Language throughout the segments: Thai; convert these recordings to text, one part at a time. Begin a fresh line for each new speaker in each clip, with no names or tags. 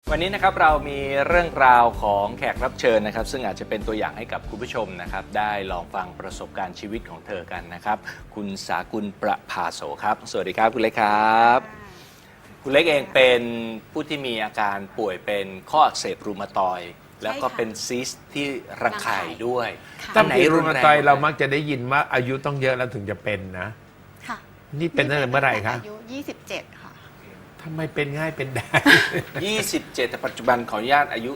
วันนี้นะครับเรามีเรื่องราวของแขกรับเชิญนะครับซึ่งอาจจะเป็นตัวอย่างให้กับคุณผู้ชมนะครับได้ลองฟังประสบการณ์ชีวิตของเธอกันนะครับคุณสากุลประภาโสครับสวัสดีครับคุณเล็กครับคุณเล็กเองเป็นผู้ที่มีอาการป่วยเป็นข้ออักเสบรูมาตอยด์แล้วก็เป็นซิสต์ที่รังไข่ด้วย
ตั้งแต่รูมาตอยด์เรามักจะได้ยินว่าอายุต้องเยอะแล้วถึงจะเป็นนะ
ค่ะ
นี่เป็นตั้งแต่เมื่อไหร่คะ
อายุ27 ค่ะ
ทำไมเป็นง่ายเป็นได้
27แต่ปัจจุบันขออนุญาตอายุ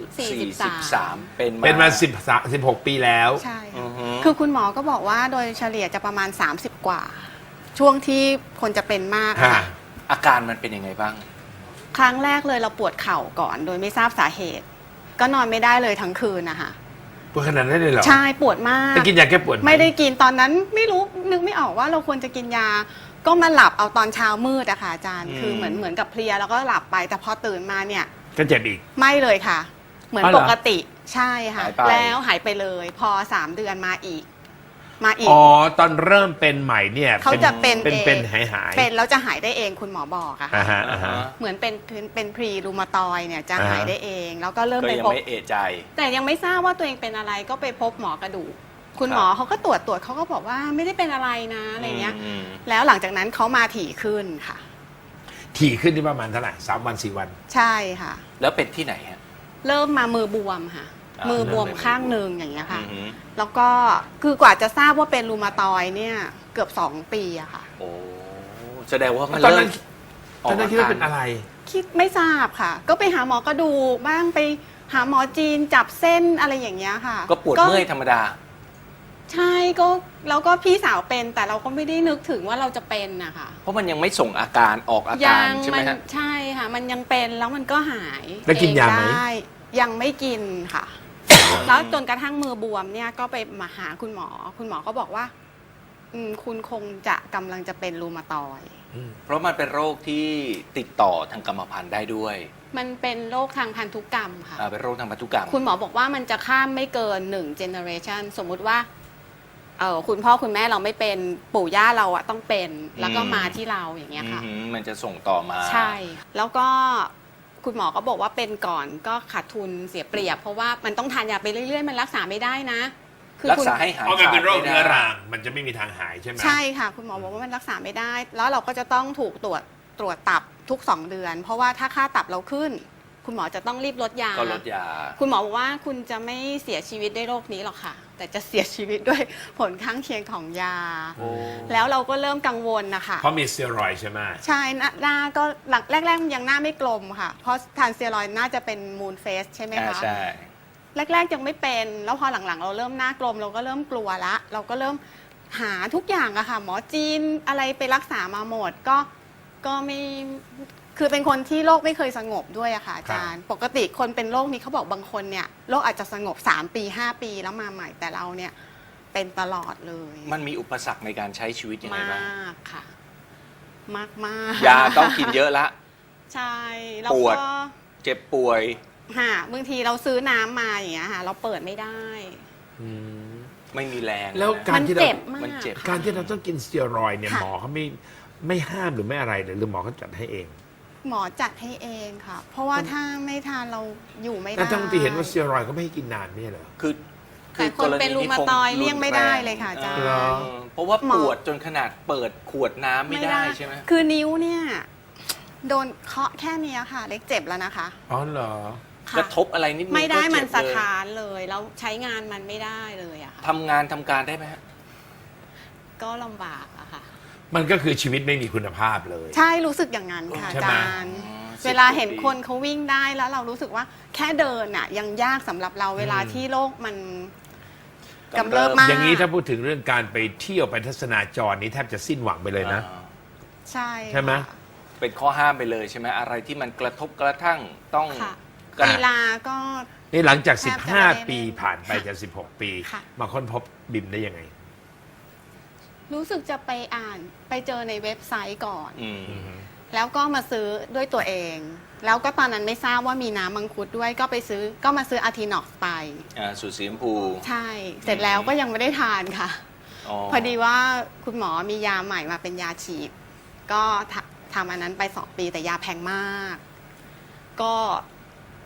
43 เป็น
เป็นมา16 ปีแล้ว
ใช่
อื
ค่ะ
อฮึ
คือคุณหมอก็บอกว่าโดยเฉลี่ยจะประมาณ30 กว่า ช่วงที่คนจะเป็นมากอะค่ะ
อาการมันเป็นยังไงบ้าง
ครั้งแรกเลยเราปวดเข่าก่อนโดยไม่ทราบสาเหตุ ก็นอนไม่ได้เลยทั้งคืนนะคะ
ปวดขนาดนั้นเลยเหรอ
ใช่ปวดมาก
ไปกินยาแก้ปวดห
ไม่ได้กินตอนนั้นไม่รู้นึกไม่ออกว่าเราควรจะกินยา ก็มาหลับเอาตอนเช้ามืดอะค่ะอาจารย์ คือเหมือนกับเพลียแล้วก็หลับไปแต่พอตื่นมาเนี่ย
ก็เจ็บอีก
ไม่เลยค่ะ เหมือน
อ๋อเหร
ป
อ
กติใช่ค่ะ
หายไป
แล้วหายไปเลยพอ3 เดือนมาอีก
อ๋อตอนเริ่มเป็นใหม่เนี่ย
เขาจะเป็น
เป็น
เอง
เป็นหาย
เป็นแล้วจะหายได้เองคุณหมอบอกอะค่ะ
อ่าฮะอ่าฮะ
เหมือนเป็นพรีรูมาตอยเนี่ยจะ
อ่าฮะ
หายได้เอง แล้วก็เริ่ม
ก็
ไป
ยัง
พบ
ไม่เอะใจ
แต่ยังไม่ทราบว่าตัวเองเป็นอะไรก็ไปพบหมอกระดูกคุณ
ครับ
หมอเขาก็ตรวจเขาก็บอกว่าไม่ได้เป็นอะไรนะอะไรเงี้ย
ม
แล้วหลังจากนั้นเขามาถี่ขึ้นค่ะ
ถี่ขึ้นที่ประมาณเท่าไหร่3 วัน4 วัน
ใช่ค่ะ
แล้วเป็นที่ไหนฮะ
เริ่มมามือบวมค่ะ
อ่ามื
มือบวม
เริ่มเป็น
ข้างหนึ่งอย่างเงี้ยค่ะ
อือฮึ
แล้วก็คือกว่าจะทราบว่าเป็นรูมาตอยเนี่ยเกือบ2 ปีอะค่ะ
โอ้แสดงว่ามัน
ตอน
เริ่
นั้
ม
นตอนนั้นคิดว่าเป็นอะไร
คิดไม่ทราบค่ะ ก็ไปหาหมอกระดูกบ้างไปหาหมอจีนจับเส้นอะไรอย่างเงี้ยค่ะ
ก็ปวดเมื่อยธรรมดา
ใช่ก็แล้วก็พี่สาวเป็นแต่เราก็ไม่ได้นึกถึงว่าเราจะเป็นนะคะ
เพราะมันยังไม่ส่งอาการออกอา
ยั
การใช่ไหมฮะ
ใช่ค่ะ มันยังเป็นแล้วมันก็หาย
แล้วกินยาไหม
เองด้ยังไม่กินค่ะ แล้วจนกระทั่งมือบวมเนี่ยก็ไปมาหาคุณหมอ คุณหมอก็บอกว่าคุณคงจะกำลังจะเป็นรูมาตอยด์
เพราะมันเป็นโรคที่ติดต่อทางกรรมพันธุ์ได้ด้วย
มันเป็นโรคทางพันธุกรรมค่ะ
เป็นโรคทางพันธุกรรม
คุณหมอบอกว่ามันจะข้ามไม่เกิน1 generation สมมุติว่าคุณพ่อคุณแม่เราไม่เป็นปู่ย่าเราอะต้องเป็นแล้วก็มาที่เราอย่างเงี้ยค่ะ
อืมมันจะส่งต่อมา
ใช่ แล้วก็คุณหมอก็บอกว่าเป็นก่อนก็ขาดทุนเสียเปรียบ เพราะว่ามันต้องทานยาไปเรื่อยๆ มันรักษาไม่ได้นะ
รักษาให้หาย
เพราะมันเป็นโรค
ขาด
เรื้อ
ไม่ได้
รังมันจะไม่มีทางหายใช่ไหม
ใช่ค่ะ คุณหมอบอกว่ามันรักษาไม่ได้ แล้วเราก็จะต้องถูกตรวจตับทุก2 เดือน เพราะว่าถ้าค่าตับเราขึ้น คุณหมอจะต้องรีบลดยา
ก็ลดยา
คุณหมอบอกว่าคุณจะไม่เสียชีวิตด้วยโรคนี้หรอกค่ะ แต่จะเสียชีวิตด้วยผลข้างเคียงของยา
โอ้
แล้วเราก็เริ่มกังวลนะคะ
เพราะมีสเตียรอยด์ใช่ไหม
ใช่หน้าก็แรกๆมันยังหน้าไม่กลมค่ะ เพราะทานสเซียรอยด์น่าจะเป็นมูนเฟสใช่ไหมคะ
ใช่
แรกๆยังไม่เป็น แล้วพอหลังๆ เราเริ่มหน้ากลมเราก็เริ่มกลัวละ เราก็เริ่มหาทุกอย่างอะค่ะ หมอจีนอะไรไปรักษามาหมดก็ไม่คือเป็นคนที่โรคไม่เคยสงบด้วยอะค่ะอาจารย์ ปกติคนเป็นโรคนี้เขาบอกบางคนเนี่ยโรคอาจจะสงบ3 ปี 5 ปีแล้วมาใหม่แต่เราเนี่ยเป็นตลอดเลย
มันมีอุปสรรคในการใช้ชีวิตยังไง
มา
บ้าง
กค่ะ มาก
ยาต้องกินเยอะละ
ใช่แล้ว
ปวด
ก็
เจ็บป่วย
บางทีเราซื้อน้ำมาอย่างเงี้ยค่ะ เราเปิดไม่ได้
อืม
ไม่มีแรง
แล้ว
นะ
การ
มัน
ที่เรา
เจ็บมาก
มันเจ็บ
การที่เราต้องกินสเตียรอยด์เนี่ย
ค่ะ
หมอเขาไม่ห้ามหรือไม่อะไรเลยหรือหมอเขาจัดให้เอง
หมอจัดให้เองค่ะ เพราะว่าถ้าไม่ทานเราอยู่ไม่ได้
แต่ทั้งที่เห็นว่าสเตียรอยด์ก็ไม่ให้กินนานเนี่ยเหรอ
คือ
แต่คนเป็นรูมาตอยด์เลี่ยงไม่ได้เลยค่ะอาจารย์
เหรอ
เพราะว่า
หมอ
ปวดจนขนาดเปิดขวดน้ำไม่ได้ใช่ไหม
คือนิ้วเนี่ยโดนเคาะแค่เนี้ยค่ะ เล็กเจ็บแล้วนะคะ
อ๋อเหรอ
ค่ะ
กระทบอะไรนิดนึง
ไม่ได้
ก็เจ็บ
มันสะ
เลย
ท้านเลยแล้วใช้งานมันไม่ได้เลยอะค่ะ
ทำงานทำการได้ไหมฮะ
ก็ลำบากอะค่ะ
มันก็คือชีวิตไม่มีคุณภาพเลย
ใช่รู้สึกอย่างนั้นค่ะ
ใช่
อา
ไหม
จารย์
อ๋อ
เวลาเห็น
10
คนเขาวิ่งได้แล้วเรารู้สึกว่าแค่เดินอะยังยากสำหรับเราเวลาที่โรคมันกำเริบมาก
อย่างนี้ถ้าพูดถึงเรื่องการไปเที่ยวไปทัศนาจรนี้แทบจะสิ้นหวังไปเลยนะ
อ่า
ใช่
ใช่ไหม
ค่ะ
เป็นข้อห้ามไปเลยใช่ไหมอะไรที่มันกระทบกระทั่งต้อง
ค่ะ
กระ
กีฬาก็
นี่หลังจาก
แทบจะไม่ได้
15 ปีผ่านไปจะ16 ปี
ค่ะ
มาค้นพบบิมได้ยังไง
รู้สึกจะไปอ่านไปเจอในเว็บไซต์ก่อน
อืม
แล้วก็มาซื้อด้วยตัวเอง แล้วก็ตอนนั้นไม่ทราบว่ามีน้ำมังคุดด้วยก็มาซื้ออาร์ทินอกไป
สูตรสีชมพู
ใช่ เสร็จแล้วก็ยังไม่ได้ทานค่ะ พอดีว่าคุณหมอมียาใหม่มาเป็นยาฉีด ก็ทำอันนั้นไป2 ปีแต่ยาแพงมาก ก็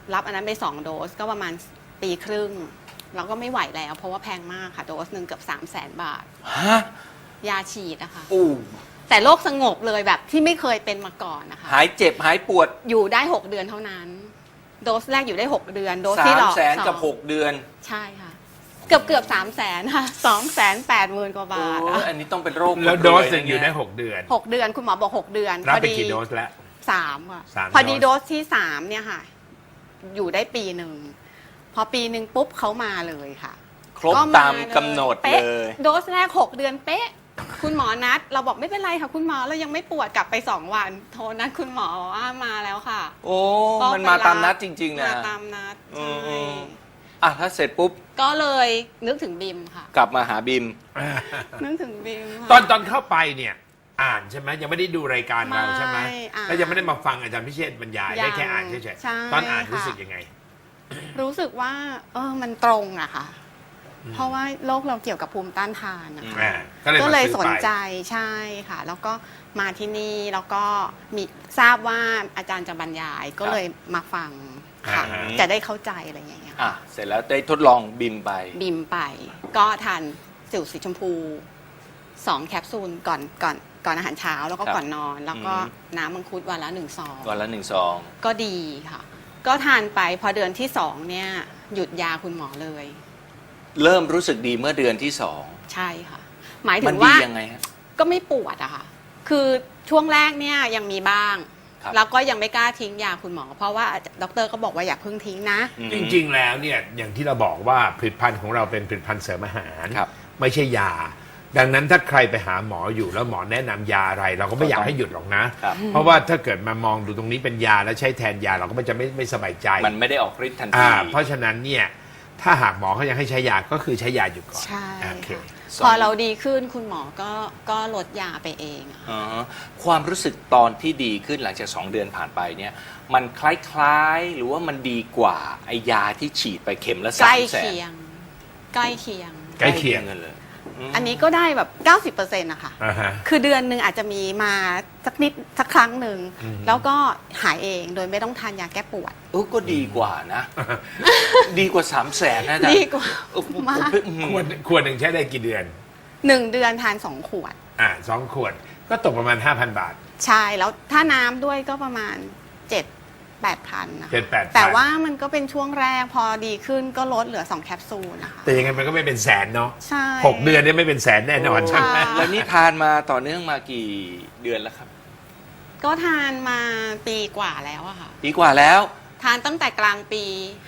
รับอันนั้นไป2 โดสก็ประมาณปีครึ่งเราก็ไม่ไหวแล้วเพราะว่าแพงมากค่ะโดสหนึ่งเกือบ300,000 บาท
ฮะ
ยาฉีดนะคะ
อู้
แต่โรคสงบเลยแบบที่ไม่เคยเป็นมาก่อนนะคะ
หายเจ็บหายปวด
อยู่ได้6 เดือนเท่านั้น โดสแรกอยู่ได้6 เดือนโดส
สา
ที่
ม
หลอก
แสนกับ
สอง
6 เดือน
ใช่ค่ะ เกือบ300,000ค่ะ280,000 กว่าบาท
โอ้ยอันนี้ต้องเป็นโรค
แล้ว
คน
โด
รว
สหนึ่ง
นะ
อยู่ได้
เนี่
6 เดือน
6 เดือนคุณหมอบอก6 เดือน
รับ
พอ
ไป
ดี
กี่โดสแล้ว
3ค่ะ
3
พอดีโดสที่3เนี่ยค่ะ อยู่ได้ปีหนึ่งพอปีหนึ่งปุ๊บเขามาเลยค่ะ
ครบ
ก็
ตามกำหนด
ป๊ะ
เลย
โดสแรก6 เดือนเป๊ะ คุณหมอนัด เราบอกไม่เป็นไรค่ะ คุณหมอเรายังไม่ปวดกลับไป2 วัน โทรนัดคุณหมอว่ามาแล้วค่ะ
โอ้
ก็
มันมา
ไปรับ
ตามนัดจริง ๆ นะ
มาตามนัด
อื
ใช่
ม อ่ะถ้าเสร็จปุ๊บ
ก็เลยนึกถึงบิมค่ะ
กลับมาหาบิม
นึกถึงบิมค่ะ
ตอนเข้าไปเนี่ยอ่านใช่ไหมยังไม่ได้ดูรายการเราใช่ไหม
ไม่อ่าน
แล้วยังไม่ได้มาฟังอาจารย์พิเชษฐ์บรรยาย
ยัง
ได้แค่อ่านเฉย
ใช่
ๆตอนอ่าน
ค่ะ
รู้สึกยังไง
รู้สึกว่า มันตรงอะค่ะ เพราะว่าโรคเราเกี่ยวกับภูมิต้านทานนะคะ ก็เลย
มา
ส
ซื้อน ไป
ใจใช่ค่ะ แล้วก็มาที่นี่แล้วก็มีทราบว่าอาจารย์จะบรรยายก็เลยมาฟังค่ะ
อ่าฮะ
จะได้เข้าใจอะไรอย่างเงี้ย
อ่ะ เสร็จแล้วได้ทดลองบิมไป
บิมไป ก็ทานสิวสีชมพู2 แคปซูลก่อนอาหารเช้าแล้วก็
ครับ
ก่อนนอน แล้วก็
อืม
น้ำมังคุดวันละ1 ซอง
วันละ1 ซอง
ก็ดีค่ะ ก็ทานไปพอเดือนที่2เนี่ยหยุดยาคุณหมอเลย
เริ่มรู้สึกดีเมื่อเดือนที่
ใช่ค่ะ หมาย
2
ถึ
มัน
ง
ดี
ว่า
ยังไงฮะ
ก็ไม่ปวดอะค่ะ คือช่วงแรกเนี่ยยังมีบ้าง
ครับ
แล้วก็ยังไม่กล้าทิ้งยาคุณหมอ เพราะว่าดอกเตอรก็บอกว่าอย่าเพิ่งทิ้งนะ
อืม
จริงๆ แล้วเนี่ยอย่างที่เราบอกว่าผลิตภัณฑ์ของเราเป็นผลิตภัณฑ์เสริมอาหาร
ครับ
ไม่ใช่ยา ดังนั้นถ้าใครไปหาหมออยู่แล้วหมอแนะนำยาอะไร เราก็ไม่อยากให้หยุดหรอกนะ
ครับ
เพราะว่าถ้าเกิดมามองดูตรงนี้เป็นยาแล้วใช้แทนยาเราก็จะไม่สบายใจ
มันไม่ได้ออกฤทธิ์ทันที
เพราะฉะนั้นเนี่ยถ้าหากหมอเขายังให้ใช้ยาก็คือใช้ยาอยู่ก่อน
ใช่
โอเค
ค่ะพอเราดีขึ้นคุณหมอก็ลดยาไปเองอะ
อ๋อความรู้สึกตอนที่ดีขึ้นหลังจาก 2 เดือนผ่านไปเนี่ย มันคล้ายๆ หรือว่ามันดีกว่าไอยาที่ฉีดไปเข็มละ
ใกล้
300,000
เคียง ใกล้เคียง
ใกล้เคียง
กันเลยม
อันนี้ก็ได้แบบ 90%นะคะ
อ่าฮะ
คือเดือนหนึ่งอาจจะมีมาสักครั้งหนึ่ง
อืม
แล้วก็หายเองโดยไม่ต้องทานยาแก้ปวด
ก็ดีกว่านะ ดีกว่า 300,000นะอาจารย์
ดีกว่า
ผม
มาก
ขวดหนึ่งใช้ได้กี่เดือน
1 เดือนทาน 2 ขวด
2 ขวดก็ตกประมาณ 5,000 บาท
ใช่ แล้วถ้าน้ำด้วยก็ประมาณ 7-8 พันนะคะ
7-8,000
แต่ว่ามันก็เป็นช่วงแรกพอดีขึ้นก็ลดเหลือ 2 แคปซูลนะคะ
แต่ยังไงมันก็ไม่เป็นแสนเนาะ
ใช่
6 เดือนเนี่ยไม่เป็นแสนแน่นอนใช่ไหม
ค่ะ
แล้วนี่ทานมาต่อเนื่องมากี่เดือนแล้วครับ
ก็ทานมาปีกว่าแล้วอะค่ะ
ปีกว่าแล้ว
ทานตั้งแต่กลางปี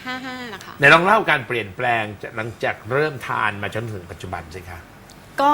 55 นะคะ
ไหนลองเล่าการเปลี่ยนแปลงจากหลังจากเริ่มทานมาจนถึงปัจจุบันสิคะ
ก็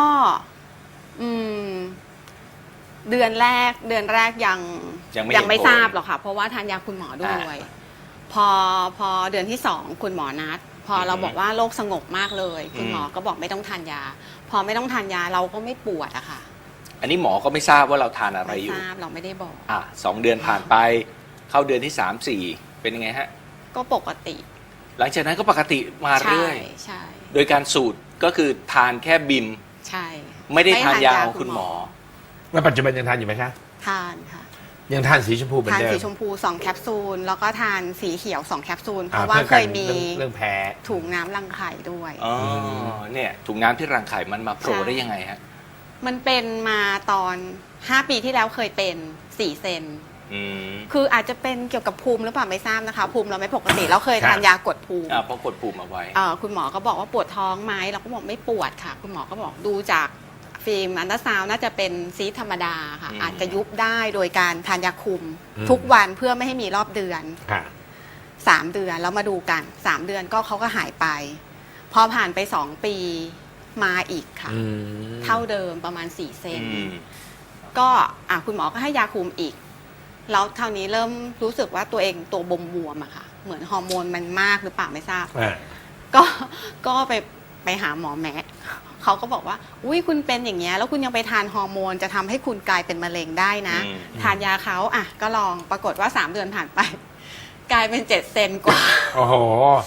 เดือนแรกยัง
ยังไม่
ไม่
เห็นผล
ทราบหรอกค่ะ เพราะว่าทานยาคุณหมอด้วย พอเดือนที่ 2 คุณหมอนัด พอเราบอกว่าโรคสงบมากเลย คุณหมอก็บอกไม่ต้องทานยา พอไม่ต้องทานยาเราก็ไม่ปวดอะค่ะ
อันนี้หมอก็ไม่ทราบว่าเราทานอะไร
ไม่
อยู่
ทราบเราไม่ได้บอก
2 เดือนผ่านไป เข้าเดือนที่ 3-4 เป็นยังไงฮะ
ก็ปกติ
หลังจากนั้นก็ปกติมา
ใช่
เรื่อย
ใช่
โดยการสูตรก็คือทานแค่บิม
ใช่
ไม่ได้ทานยาของคุณหมอ
แล้วปัจจุบันยังทานอยู่ไหมคะ
ทานค่ะ
ยังทานสีชมพูเหมือน
ทาน
เดิม
สีชมพู2 แคปซูล แล้วก็ทานสีเขียว 2 แคปซูล เพ
อ่
ราะว่า
พื่อ
เค
กัน
ยมี
เรื่องแพ้
ถุงน้ำรังไข่ด้วย
อ๋อ เนี่ยถุงน้ำที่รังไข่มันมาโผล่
ใช่
ได้ยังไงฮะ
มันเป็นมาตอน 5 ปีที่แล้วเคยเป็น4 เซน
อืม
คืออาจจะเป็นเกี่ยวกับภูมิหรือเปล่าไม่ทราบนะคะ ภูมิเราไม่ปกติเราเคยทานยากดภูมิ
เพราะกดปุ่มเอาไว้
คุณหมอก็บอกว่าปวดท้องไหมเราก็บอกไม่ปวดค่ะ คุณหมอก็บอกดูจากฟิล์มอันตราซาวน์น่าจะเป็นซีสธรรมดาค่ะ
อืม
อาจจะยุบได้โดยการทานยาคุม
อืม
ทุกวันเพื่อไม่ให้มีรอบเดือน
ค่ะ
3 เดือนแล้วมาดูกัน 3 เดือนก็เขาก็หายไป พอผ่านไป 2 ปีมาอีกค่ะ เท่าเดิมประมาณ4 เซน
อืม
ก็คุณหมอก็ให้ยาคุมอีก แล้วเท่านี้เริ่มรู้สึกว่าตัวเองตัวบวมๆอะค่ะ เหมือนฮอร์โมนมันมากหรือเปล่าไม่ทราบ ก็ไปหาหมอแมะเขาก็บอกว่า อุ้ยคุณเป็นอย่างเงี้ยแล้วคุณยังไปทานฮอร์โมนจะทำให้คุณกลายเป็นมะเร็งได้นะ
อืม
ทานยาเขาก็ลองปรากฏว่า 3 เดือนผ่านไป กลายเป็น7 เซนกว่า
โอ้โห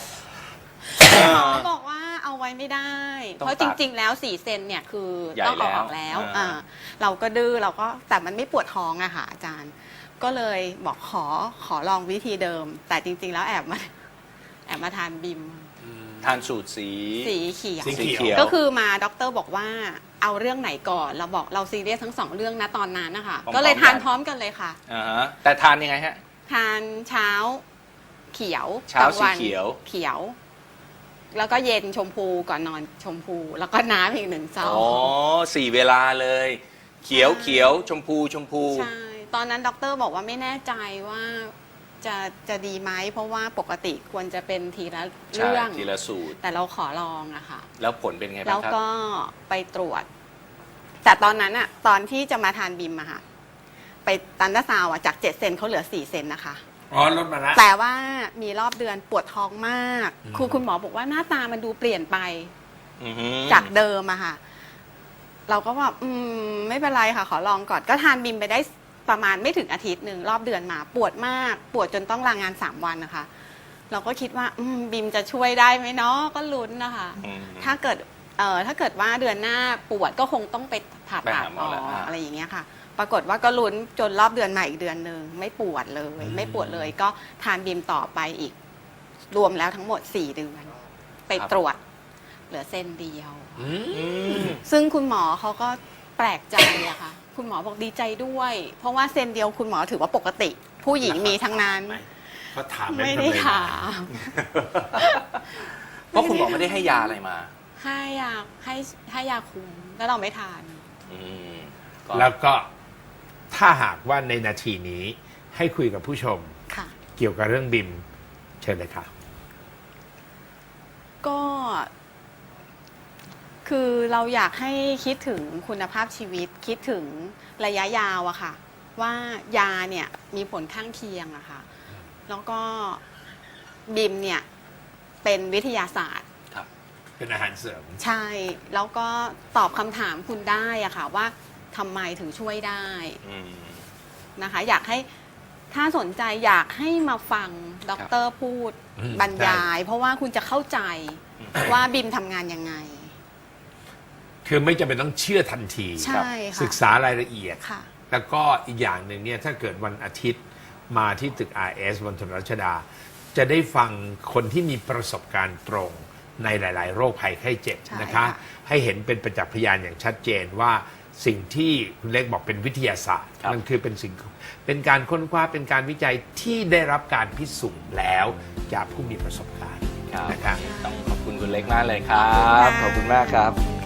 เขาบอกว่าเอาไว้ไม่ได้
ต้อง
เพราะจริง ๆ แล้ว4 เซนเนี่ยคือ
ใหญ่
ต้องเอาออก
แล้
แล้ว ว
อ่า
เราก็ดื้อเราก็แต่มันไม่ปวดท้องอะค่ะอาจารย์ พก็เลยบอกขอลองวิธีเดิม แต่จริง ๆ แล้วแอบมาทานบิม
ทานสูตรสี
สีเขียว
สีเขียว
ก็คือมาด็อกเตอร์บอกว่าเอาเรื่องไหนก่อนเราบอกเราซีเรียสทั้งสองเรื่องนะตอนนั้นนะคะ
พร้อมๆ
ก็เลยทาน
กัน
พร้อมกันเลยค่ะ
อ่าฮะแต่ทานยังไงฮะ
ทานเช้าเขียว
เช้าก
ลงวัน
สีเขียว
เขียว แล้วก็เย็นชมพูก่อนนอนชมพู แล้วก็น้ำอีก1 ซอง
อ๋อ4 เวลาเลย เขียวเขียวชมพูชมพู
ใช่ตอนนั้นด็อกเตอร์บอกว่าไม่แน่ใจว่าจะดีไหมเพราะว่าปกติควรจะเป็นทีละ
ใช่
เรื่อง
ทีละสูตร
แต่เราขอลองอะค่ะ
แล้วผลเป็นไง
แล้
บ้าว งครับ
ก็ไปตรวจ แต่ตอนนั้นอะตอนที่จะมาทานบิมอะค่ะไปตันดาซาวอะจาก7 เซนเขาเหลือ4 เซนนะคะ
อ๋อลดมาละ
แต่ว่ามีรอบเดือนปวดท้องมาก
อืม
คุณหมอบอกว่าหน้าตามันดูเปลี่ยนไป
อือฮึ
จากเดิมอะค่ะ เราก็แบบไม่เป็นไรค่ะ ขอลองก่อนก็ทานบิมไปได้ประมาณไม่ถึงอาทิตย์หนึ่งรอบเดือนมา ปวดมากปวดจนต้องลางาน3 วันนะคะ เราก็คิดว่าบิมจะช่วยได้ไหมเนาะก็ลุ้นนะคะ
อืม
ถ้าเกิดว่าเดือนหน้าปวดก็คงต้องไปผ่า
ไป
ตัด
หาหม
อ
อ
อ
แล้ว
ก
อ่า
อะไรอย่างเงี้ยค่ะ ปรากฏว่าก็ลุ้นจนรอบเดือนมาอีกเดือนหนึ่งไม่ปวดเลย ไม่ปวดเลย ก็ทานบิมต่อไปอีก รวมแล้วทั้งหมด4 เดือนไปตรวจ เหลือเส้นเดียว
อืม
อืม
ซึ่งคุณหมอเขาก็แปลกใจอะค่ะ คุณหมอบอกดีใจด้วย เพราะว่าเส้นเดียวคุณหมอถือว่าปกติ ผู้หญิงมีทั้งนั้น
เขาถาม
ไม่ได้
ทำ
ถาม
เพราะคุณหมอไม่ได้ให้ยาอะไรมา
ให้ยาคุมแล้วเราไม่ทาน
อืมก็
แล้วก็ถ้าหากว่าในนาทีนี้ให้คุยกับผู้ชม
ค่ะ
เกี่ยวกับเรื่องบิมเชิญเลยค่ะ
ก็คือเราอยากให้คิดถึงคุณภาพชีวิต คิดถึงระยะยาวอะค่ะ ว่ายาเนี่ยมีผลข้างเคียงอะค่ะ แล้วก็บิมเนี่ยเป็นวิทยาศาสตร์
ครับ
เป็นอาหารเสริม
ใช่ แล้วก็ตอบคำถามคุณได้อะค่ะ ว่าทำไมถึงช่วยได้
อืม
นะคะ อยากให้ถ้าสนใจอยากให้มาฟังด็อกเตอร์พูด
อืม
บรรยาย เพราะว่าคุณจะเข้าใจว่าบิมทำงานยังไง
คือไม่จำเป็นต้องเชื่อทันที
ใช่ค่ะ
ศึกษารายละเอียด
ค่ะ
แล้วก็อีกอย่างหนึ่งเนี่ยถ้าเกิดวันอาทิตย์มาที่ตึก RS บนถนนรัชดา จะได้ฟังคนที่มีประสบการณ์ตรงในหลาย ๆ โรคภัยไข้เจ็บ
ใช่
นะคะ
ค่ะ
ให้เห็นเป็นประจักษ์พยานอย่างชัดเจนว่าสิ่งที่คุณเล็กบอกเป็นวิทยาศาสตร์
ครับ
มันคือเป็นการค้นคว้าเป็นการวิจัยที่ได้รับการพิสูจน์แล้วจากผู้มีประสบการณ์
ครับ
นะคะ
ต้องขอบคุณคุณเล็กมากเลยครับ ขอบคุณมากครับ